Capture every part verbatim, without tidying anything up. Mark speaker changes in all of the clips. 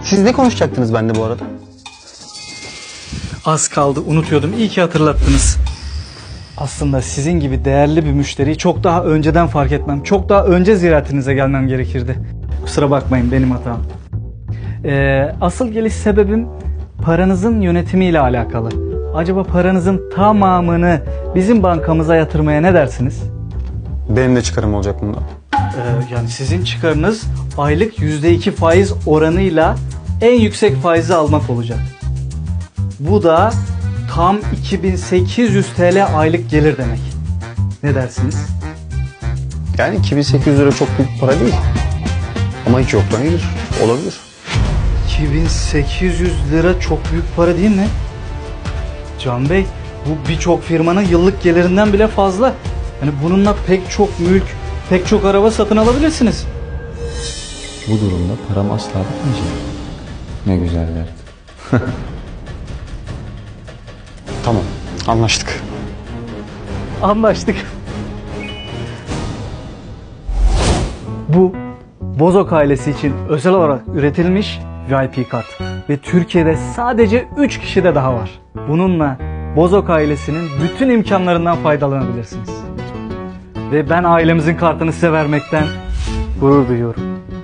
Speaker 1: Siz ne konuşacaktınız bende bu arada?
Speaker 2: Az kaldı, unutuyordum. İyi ki hatırlattınız. Aslında sizin gibi değerli bir müşteriyi çok daha önceden fark etmem, çok daha önce ziyaretinize gelmem gerekirdi. Kusura bakmayın, benim hatam. Ee, asıl geliş sebebim paranızın yönetimiyle alakalı. Acaba paranızın tamamını bizim bankamıza yatırmaya ne dersiniz?
Speaker 1: Benim de çıkarım olacak bundan.
Speaker 2: Ee, yani sizin çıkarınız aylık yüzde iki faiz oranıyla en yüksek faizi almak olacak. Bu da tam iki bin sekiz yüz TL aylık gelir demek. Ne dersiniz?
Speaker 1: Yani iki bin sekiz yüz lira çok büyük para değil. Ama hiç yoktan gelir. Olabilir.
Speaker 2: iki bin sekiz yüz lira çok büyük para değil mi? Can Bey, bu birçok firmanın yıllık gelirinden bile fazla. Yani bununla pek çok mülk, pek çok araba satın alabilirsiniz.
Speaker 3: Bu durumda param asla bitmeyecek. Ne güzel dert.
Speaker 1: Tamam. Anlaştık.
Speaker 2: Anlaştık. Bu Bozok ailesi için özel olarak üretilmiş V I P kart. Ve Türkiye'de sadece üç kişide daha var. Bununla Bozok ailesinin bütün imkanlarından faydalanabilirsiniz. Ve ben ailemizin kartını size vermekten gurur duyuyorum.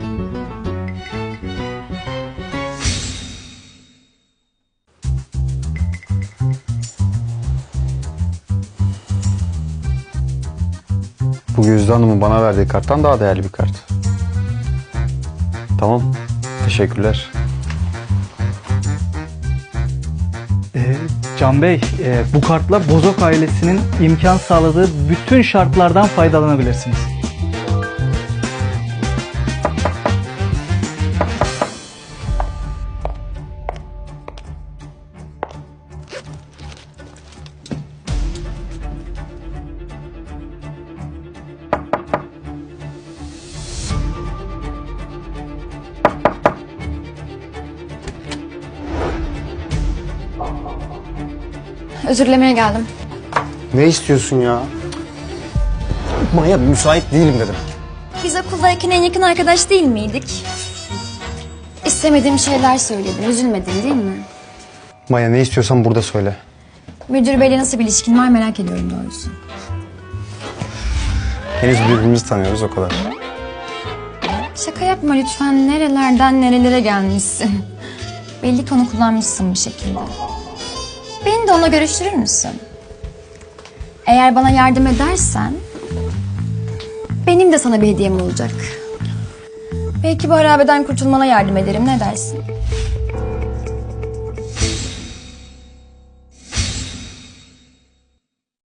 Speaker 1: Bu Gözde Hanım'ın bana verdiği karttan daha değerli bir kart. Tamam. Teşekkürler.
Speaker 2: Ee, Can Bey, e, bu kartla Bozok ailesinin imkan sağladığı bütün şartlardan faydalanabilirsiniz.
Speaker 4: Özür dilemeye geldim.
Speaker 1: Ne istiyorsun ya? Maya, müsait değilim dedim.
Speaker 4: Biz okuldayken en yakın arkadaş değil miydik? İstemediğim şeyler söyledim. Üzülmedin değil mi?
Speaker 1: Maya, ne istiyorsan burada söyle.
Speaker 4: Müdür beyle nasıl bir ilişkin var merak ediyorum doğrusu.
Speaker 1: Henüz birbirimizi tanıyoruz, o kadar.
Speaker 4: Şaka yapma lütfen. Nerelerden nerelere gelmişsin. Belli ki onu kullanmışsın bir şekilde. Beni de onunla görüştürür müsün? Eğer bana yardım edersen benim de sana bir hediyem olacak. Belki bu harabeden kurtulmana yardım ederim. Ne dersin?